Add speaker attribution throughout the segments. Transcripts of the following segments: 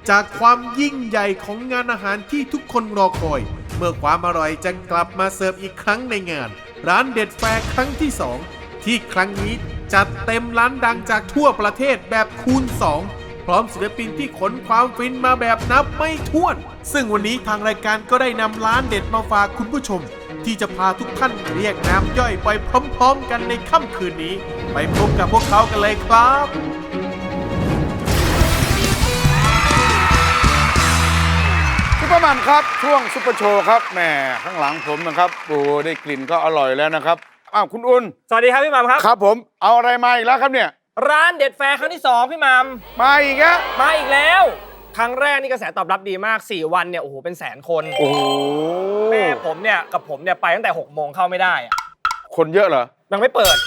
Speaker 1: จากความยิ่งใหญ่ของงานอาหารที่ทุกคนรอคอยเมื่อความอร่อยจะกลับมาเสิร์ฟอีกครั้งในงานร้านเด็ดแฟร์ครั้งที่ 2ที่ครั้งนี้จัดเต็มร้านดังจากทั่วประเทศแบบคูณ 2พร้อมศิลปินที่ขนความฟินมาแบบนับไม่ถ้วนซึ่งวันนี้ทางรายการก็ได้นำร้านเด็ดมาฝากคุณผู้ชมที่จะพาทุกท่านเรียกน้ำย่อยไปพร้อมๆกันในค่ำคืนนี้ไปพบกับพวกเขากันเลยครับ
Speaker 2: ซุปเปอร์มัมครับช่วงซุปเปอร์โชว์ครับแหมข้างหลังผมนะครับโอ้ได้กลิ่นก็อร่อยแล้วนะครับอ้าวคุณอุ่น
Speaker 3: สวัสดีครับพี่มัมครับ
Speaker 2: ครับผมเอาอะไรมาอีกแล้วครับเนี่ย
Speaker 3: ร้านเด็ดแฟร์ครั้งที่2พี่มัม
Speaker 2: มาอีกแล้ว
Speaker 3: มาอีกแล้วครั้งแรกนี่กระแสตอบรับดีมาก4วันเนี่ยโอ้โหเป็นแสนคน
Speaker 2: โอ้โห
Speaker 3: แม่ผมเนี่ยกับผมเนี่ยไปตั้งแต่6 โมงเข้าไม่ได้อะ
Speaker 2: คนเยอะเหรอ
Speaker 3: ยังไม่เปิด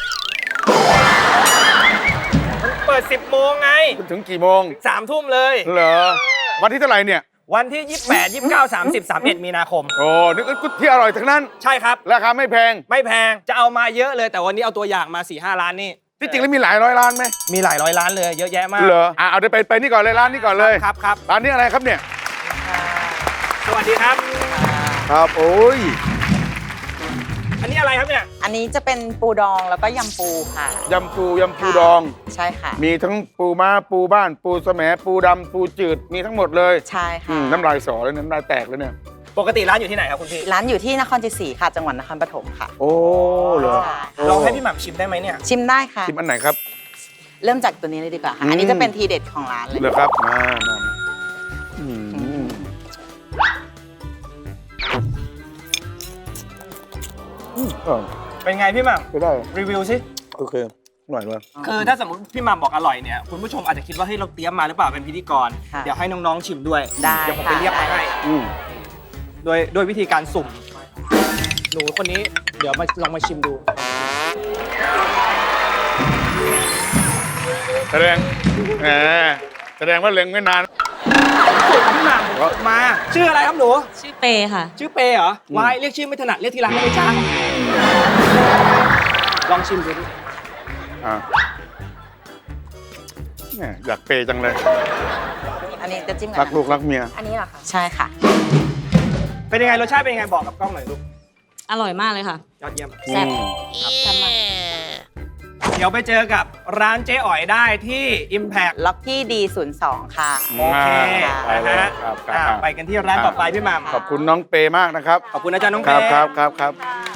Speaker 3: มันเปิด10 โมงไง
Speaker 2: ถึงกี่โมง
Speaker 3: 3 ทุ่มเลย
Speaker 2: เหรอวันที่เท่าไหร่เนี่ย
Speaker 3: วันที่28 29 30 31มีนาคม
Speaker 2: โอ้นึกที่อร่อยทั้งนั้น
Speaker 3: ใช่ครับ
Speaker 2: ราคาไม่แพง
Speaker 3: ไม่แพงจะเอามาเยอะเลยแต่วันนี้เอาตัวอย่างมา 4-5 ร้านนี่
Speaker 2: ที่จริงแล้วมีหลายร้อยร้านไหม
Speaker 3: มีหลายร้อยร้านเลยเยอะแยะมาก
Speaker 2: เหรอเอาเดี๋ยวไปนี่ก่อนเลยร้านนี้ก่อนเลย
Speaker 3: ครับ
Speaker 2: ร้านนี้อะไรครับเนี่ย
Speaker 3: สวัสดีครับ
Speaker 2: ครับโอ้ย
Speaker 3: อันนี้อะไรครับเนี่ย
Speaker 4: อันนี้จะเป็นปูดองแล้วก็ยำปูค่ะ
Speaker 2: ยำปูดอง
Speaker 4: ใช่ค่ะ
Speaker 2: มีทั้งปูม้าปูบ้านปูแสมปูดำปูจืดมีทั้งหมดเลย
Speaker 4: ใช่ค่ะ
Speaker 2: น้ำลายสอเลยน้ำลายแตกเลยเนี่ย
Speaker 3: ปกติร้านอยู่ที่ไหนครับคุณพี่
Speaker 4: ร้านอยู่ที่นครชัยศรีค่ะจังหวัดนครปฐมค่ะ
Speaker 2: โอ้เหรอ
Speaker 3: ลองให้พี่หม่ำชิมได้ไหมเนี่ย
Speaker 4: ชิมได้ค่ะ
Speaker 2: ชิมอันไหนครับ
Speaker 4: เริ่มจากตัวนี้เลยดีกว่าค่ะอันนี้จะเป็นทีเด็ดของร้านเลย
Speaker 2: เหรอครับมา
Speaker 3: เป็นไงพี่หม่ำ
Speaker 2: ไม่ได้
Speaker 3: รีวิวสิ
Speaker 2: โอเคอร่อยเลย
Speaker 3: คือถ้าสมมติพี่หม่ำบอกอร่อยเนี่ยคุณผู้ชมอาจจะคิดว่าเฮ้ยเราเตรียมมาหรือเปล่าเป็นพิธีกรเดี๋ยวให้น้องๆชิมด้วยเดี๋ยวผมไปเรียกมาให้โดยวิธีการสุ่มหนูคนนี้เดี๋ยวลองมาชิมดู
Speaker 2: แสดงว่าเล็งไม่นาน
Speaker 3: สุ่มพี่หม่ำมาชื่ออะไรครับหนู
Speaker 5: ชื่อเปค่ะ
Speaker 3: ชื่อเปเหรอวายเรียกชื่อไม่ถนัดเรียกทีหลังได้ไหมจ๊ะลองชิมดูดิ
Speaker 2: เนี่ยอยากเปจังเลย
Speaker 4: อันนี้จะจิ้ม
Speaker 2: รักลูกรักเมีย
Speaker 4: อันนี้เหรอคะใช่ค่ะ
Speaker 3: เป็นยังไงรสชาติเป็นยังไงบอกกับกล้องหน่อยลูก
Speaker 5: อร่อยมากเลยค่ะ
Speaker 3: ยอดเยี่ยม
Speaker 4: แซ่บครับมาก
Speaker 3: เดี๋ยวไปเจอกับร้านเจ๊อ๋อยได้ที่ Impact
Speaker 4: ล็อกกี้D02ค่ะ
Speaker 3: โอเคนะฮะไปกันที่ร้านต่อไปพี่หม่ำ
Speaker 2: ขอบคุณน้องเปมากนะครับ
Speaker 3: ขอบคุณอาจารย์น้องเป
Speaker 2: ครับ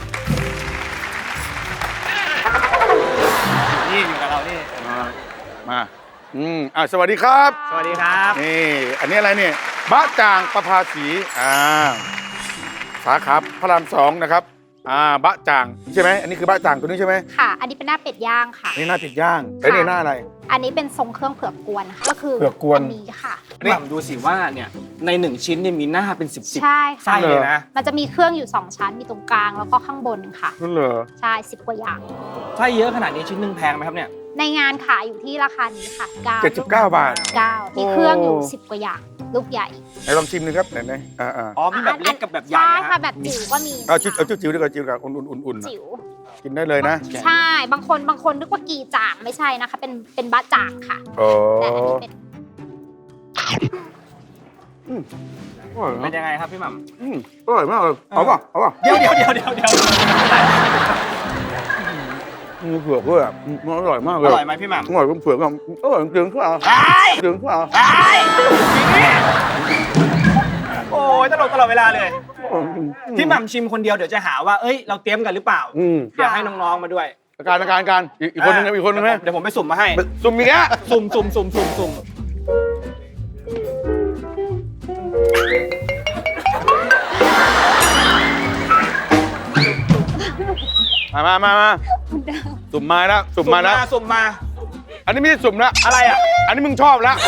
Speaker 3: นี่อยู่กับเรานี่
Speaker 2: มาสวัสดีครับ
Speaker 3: สวัสดีครับ
Speaker 2: นี่อันนี้อะไรเนี่ยบะจ่างประภาสีสาขาพระราม2นะครับบะจ่างใช่ไหมอันนี้คือบะจ่างตัวนี้ใช่ไหม
Speaker 6: ค่ะอันนี้เป็นหน้าเป็ดย่างค่ะ
Speaker 2: นี่หน้าเป็ดย่างแล้วนี่หน้าอะไร
Speaker 6: อันนี้เป็นทรงเครื่องเผือกกวนค่ะก็คือ
Speaker 2: เผือกกวน
Speaker 6: อันนี้ค่ะ
Speaker 3: นี่ดูสิว่าเนี่ยใน1ชิ้นเนี่ยมีหน้าเป็น10
Speaker 6: ใช่
Speaker 3: ไส้เลยนะ
Speaker 6: มันจะมีเครื่องอยู่2ชั้นมีตรงกลางแล้วก็ข้างบนค่ะ
Speaker 2: นั่นเหรอ
Speaker 6: ใช่10 กว่าอย่าง
Speaker 3: ไส้เยอะขนาดนี้ชิ้นนึงแพงไหมครับเนี่ย
Speaker 6: ในงานขายอยู่ที่ราคานี้ค่ะ
Speaker 2: 79 บาท
Speaker 6: 9มีเครื่องอยู่10 กว่าอย่างลูกใหญ่
Speaker 2: ไหนลองชิมหนึ่งครับไหน
Speaker 3: อ๋อมีแบบเล็กกับแบบใหญ่
Speaker 6: ใช่ค่ะแบบจิ๋วก็มี
Speaker 2: เอาจิ๋วดีกว่าจิ๋วกับอุ่น
Speaker 6: จิ๋ว
Speaker 2: กินได้เลยนะ
Speaker 6: ใช่บางคนนึกว่ากีจ่างไม่ใช่นะคะเป็นบะจ่างค่ะแต่อันนี้
Speaker 3: เป็นยังไงครับพี่หม่ำ
Speaker 2: อร่อยมากเลยเอาป่ะ
Speaker 3: เดี๋ยว
Speaker 2: มีเผือกด้วยมันอร่อยมากเลย
Speaker 3: อร่อยไหมพี่หม่ำ
Speaker 2: อร่อยเผือกก็อร่อยจริงๆ
Speaker 3: โอ้ยตลอดเวลาเลยพี่หม่ำชิมคนเดียวเดี๋ยวจะหาว่าเอ้ยเราเตรียมกันหรือเปล่าเดี๋ยวให้น้องๆมาด้วย
Speaker 2: การอีกคนนึงไหม
Speaker 3: เดี๋ยวผมไปสุ่มมาให้
Speaker 2: สุ่มอีกแล้ว
Speaker 3: สุ่ม
Speaker 2: มาสุ่มมาแล้วอันนี้ไม่ใช่สุ่มแล้ว
Speaker 3: อะไรอ่ะ
Speaker 2: อันนี้มึงชอบแล้ว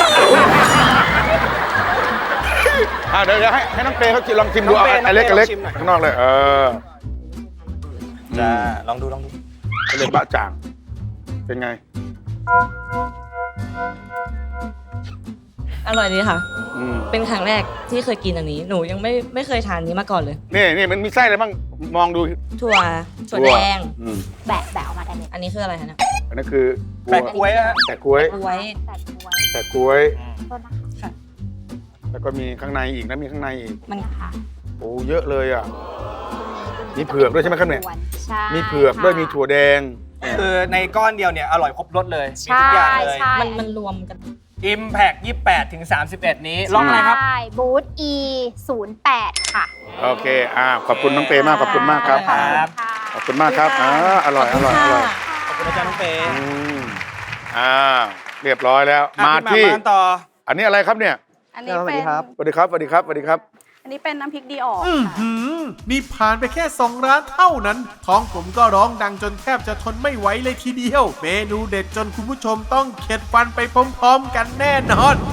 Speaker 2: เดี๋ยวให้น้องเปย์เขาลองชิมดูเอาเล็กข้างนอกเลย
Speaker 3: จะลองดู
Speaker 2: เล็กบะจ่างเป็นไง
Speaker 5: อร่อยดีค่ะเป็นครั้งแรกที่เคยกินอันนี้หนูยังไม่เคยทานนี้มาก่อนเลย
Speaker 2: นี่มันมีไส้อะไรบ้างมองดู
Speaker 5: ถั่วแดง
Speaker 6: แบะออกมาได้เลย
Speaker 5: อันนี้คืออะไรคะเนี่ย
Speaker 2: อันนี้คือ
Speaker 3: แปะกล้วย
Speaker 2: ค่ะแล้วก็มีข้างในอีกนะมีข้างในอีก
Speaker 4: มันค่ะ
Speaker 2: โอ้เยอะเลยอ่ะมีเผือกด้วยใช่ไหมครับเนี่ย
Speaker 6: ใช่
Speaker 2: มีเผือกด้วยมีถั่วแดง
Speaker 3: คือในก้อนเดียวเนี่ยอร่อยครบรสเลยมี
Speaker 6: ใช่
Speaker 3: ทุกอย่างเลย
Speaker 6: ใช่
Speaker 5: มันรวมกัน
Speaker 3: Impact 28 ถึง 31 นี้ล็อกอะไรครับ
Speaker 6: ใช่บูธ E 08ค่ะ
Speaker 2: โอเคขอบคุณน้องเปมากขอบคุณมากครับ
Speaker 3: ครับ
Speaker 2: ขอบคุณมากครับอร่อยอร่อยอร่อย
Speaker 3: ขอบคุณอาจารย์น้องเปย์
Speaker 2: อืมเรียบร้อยแล้ว
Speaker 3: อ่ะ
Speaker 2: มา
Speaker 3: พี่
Speaker 2: ที่
Speaker 3: กันต่อ
Speaker 2: อันนี้อะไรครับเนี่ย
Speaker 7: อันนี้เป็น
Speaker 2: สวัสดีครับสวัสดีครับสวัสดีครับ
Speaker 7: อันนี้เป็นน้ำพริกดีออก
Speaker 1: อื้อ
Speaker 7: ค่ะ
Speaker 1: หือนี่ผ่านไปแค่ 2 ร้านเท่านั้น ท้องผมก็ร้องดังจนแทบจะทนไม่ไหวเลยทีเดียว เมนูเด็ดจนคุณผู้ชมต้องเข็ดฟันไปพร้อมๆกันแน่นอน